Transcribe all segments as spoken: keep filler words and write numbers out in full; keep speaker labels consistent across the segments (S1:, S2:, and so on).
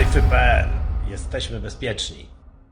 S1: Sejfy kropka pe el. Jesteśmy bezpieczni.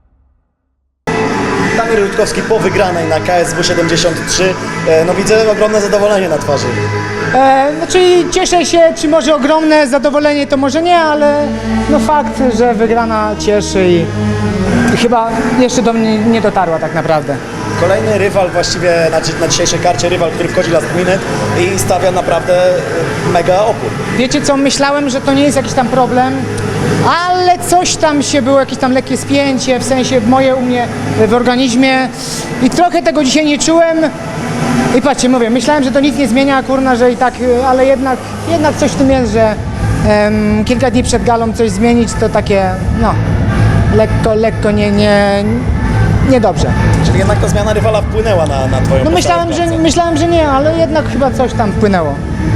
S2: Damir Rutkowski po wygranej na K S W siedemdziesiąt trzy. No widzę ogromne zadowolenie na twarzy.
S3: E, znaczy cieszę się, czy może ogromne zadowolenie, to może nie, ale no fakt, że wygrana cieszy i, i chyba jeszcze do mnie nie dotarła tak naprawdę.
S2: Kolejny rywal właściwie na, dzi- na dzisiejszej karcie, rywal, który wchodzi last minute i stawia naprawdę mega opór.
S3: Wiecie co, myślałem, że to nie jest jakiś tam problem, ale coś tam się było, jakieś tam lekkie spięcie, w sensie moje u mnie w organizmie i trochę tego dzisiaj nie czułem. I patrzcie, mówię, myślałem, że to nic nie zmienia, kurna, że i tak, ale jednak, jednak coś w tym jest, że em, kilka dni przed galą coś zmienić, to takie, no, lekko, lekko nie, nie, niedobrze.
S2: Czyli jednak ta zmiana rywala wpłynęła na, na twoją
S3: No myślałem, że, myślałem, że nie, ale jednak chyba coś tam wpłynęło.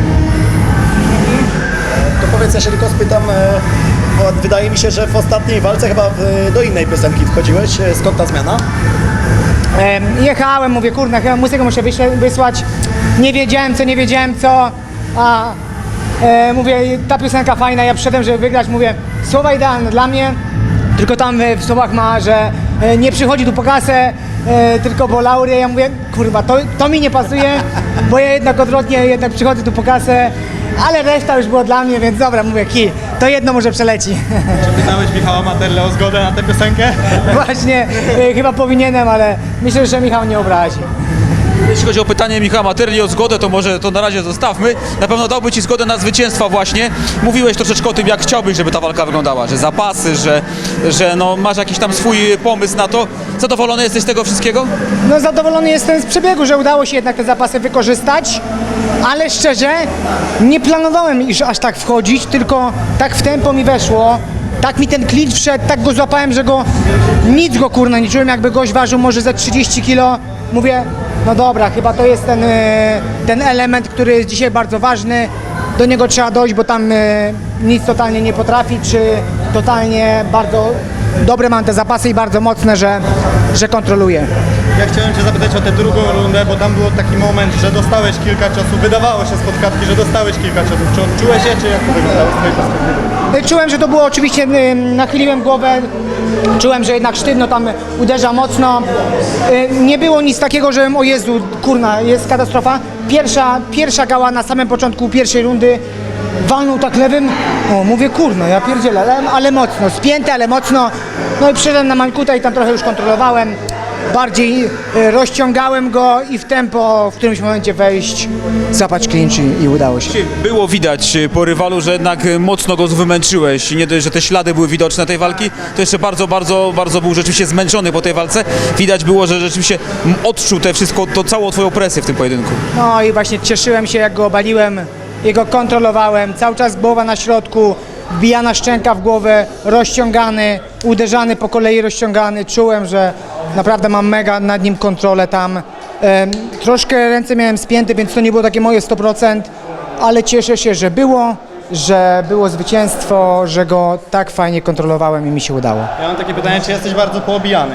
S2: To powiedz, ja się tylko spytam, e, bo wydaje mi się, że w ostatniej walce chyba w, do innej piosenki wchodziłeś. E, Skąd ta zmiana?
S3: Em, Jechałem, mówię, kurna, chyba muzykę muszę wyśle- wysłać. Nie wiedziałem co, nie wiedziałem co, a e, mówię, ta piosenka fajna, ja przyszedłem, żeby wygrać, mówię, słowa idealne dla mnie, tylko tam e, w słowach ma, że e, nie przychodzi tu po kasę, e, tylko po laury. Ja mówię, kurwa, to, to mi nie pasuje, bo ja jednak odwrotnie, jednak przychodzę tu po kasę, ale reszta już było dla mnie, więc dobra, mówię, ki, to jedno może przeleci.
S4: Czy pytałeś Michała Materle o zgodę na tę piosenkę?
S3: Właśnie, e, chyba powinienem, ale myślę, że Michał nie obrazi.
S5: Jeśli chodzi o pytanie Michała Materli o zgodę, to może to na razie zostawmy. Na pewno dałby Ci zgodę na zwycięstwa właśnie. Mówiłeś troszeczkę o tym, jak chciałbyś, żeby ta walka wyglądała, że zapasy, że, że no, masz jakiś tam swój pomysł na to. Zadowolony jesteś z tego wszystkiego?
S3: No zadowolony jestem z przebiegu, że udało się jednak te zapasy wykorzystać, ale szczerze nie planowałem iż aż tak wchodzić, tylko tak w tempo mi weszło. Tak mi ten clinch wszedł, tak go złapałem, że go nic go kurna nie czułem, jakby gość ważył może ze trzydzieści kilo. Mówię, no dobra, chyba to jest ten, e, ten element, który jest dzisiaj bardzo ważny. Do niego trzeba dojść, bo tam e, nic totalnie nie potrafi, czy totalnie bardzo dobre mam te zapasy i bardzo mocne, że, że kontroluje.
S4: Ja chciałem Cię zapytać o tę drugą rundę, bo tam był taki moment, że dostałeś kilka ciosów, wydawało się spod klatki, że dostałeś kilka ciosów. Czy odczułeś je, czy jak to wyglądało z Twojej perspektywy?
S3: Czułem, że to było oczywiście, y, nachyliłem głowę, czułem, że jednak sztywno tam uderza mocno. Y, Nie było nic takiego, że o Jezu, kurna, jest katastrofa. Pierwsza, pierwsza gała na samym początku pierwszej rundy walnął tak lewym, o mówię, kurno, ja pierdzielę, ale, ale mocno, spięte, ale mocno. No i przyszedłem na Mańkuta i tam trochę już kontrolowałem. Bardziej y, rozciągałem go i w tempo w którymś momencie wejść, złapać clinch i, i udało się.
S5: Było widać po rywalu, że jednak mocno go wymęczyłeś. Nie dość, że te ślady były widoczne tej walki, to jeszcze bardzo, bardzo, bardzo był rzeczywiście zmęczony po tej walce. Widać było, że rzeczywiście odczuł te wszystko, to całą twoją presję w tym pojedynku.
S3: No i właśnie cieszyłem się, jak go obaliłem, jego kontrolowałem, cały czas głowa na środku, wbijana szczęka w głowę, rozciągany, uderzany po kolei, rozciągany. Czułem, że naprawdę mam mega nad nim kontrolę tam. Em, troszkę ręce miałem spięte, więc to nie było takie moje sto procent, ale cieszę się, że było, że było zwycięstwo, że go tak fajnie kontrolowałem i mi się udało.
S4: Ja mam takie pytanie, czy jesteś bardzo poobijany?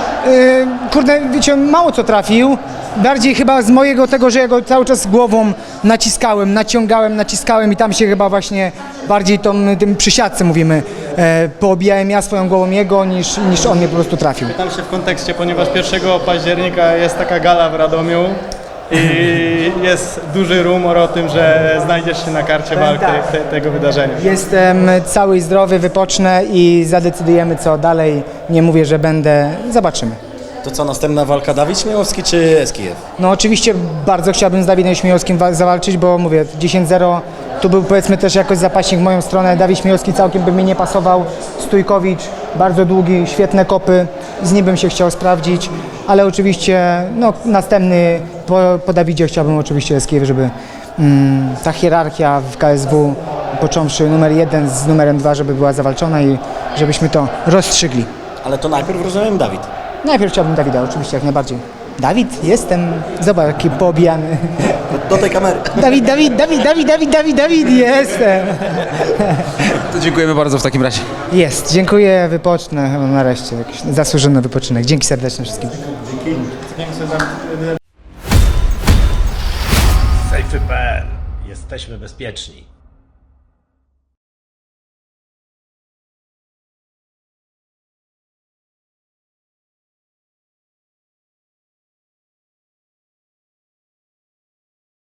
S3: Yy, kurde, wiecie, mało co trafił. Bardziej chyba z mojego tego, że ja go cały czas głową naciskałem, naciągałem, naciskałem i tam się chyba właśnie bardziej tą, tym przy siatce mówimy, e, poobijałem ja swoją głową jego niż, niż on mnie po prostu trafił.
S4: Pytam się w kontekście, ponieważ pierwszego października jest taka gala w Radomiu i jest duży rumor o tym, że znajdziesz się na karcie walk te, te, tego wydarzenia.
S3: Jestem cały i zdrowy, wypocznę i zadecydujemy co dalej. Nie mówię, że będę, zobaczymy.
S2: To co, następna walka Dawid Śmiałowski czy Eskijew?
S3: No oczywiście bardzo chciałbym z Dawidem Śmiałowskim wa- zawalczyć, bo mówię, dziesięć zero, tu był powiedzmy też jakoś zapaśnik w moją stronę. Dawid Śmiałowski całkiem by mi nie pasował. Stójkowicz, bardzo długi, świetne kopy, z nim bym się chciał sprawdzić, ale oczywiście no, następny po, po Dawidzie chciałbym oczywiście Eskijew, żeby mm, ta hierarchia w K S W, począwszy numer jeden z numerem dwa, żeby była zawalczona i żebyśmy to rozstrzygli.
S2: Ale to najpierw rozumiem Dawid.
S3: Najpierw chciałbym Dawida, oczywiście, jak najbardziej. Dawid, jestem, zobacz jaki poobijany.
S2: Do, do tej kamery.
S3: Dawid, Dawid, Dawid, Dawid, Dawid, Dawid, Dawid, jestem.
S5: To dziękujemy bardzo w takim razie.
S3: Jest, dziękuję, wypocznę chyba nareszcie, jakiś zasłużony wypoczynek. Dzięki serdecznie wszystkim.
S1: Sejfy kropka pe el. Jesteśmy bezpieczni.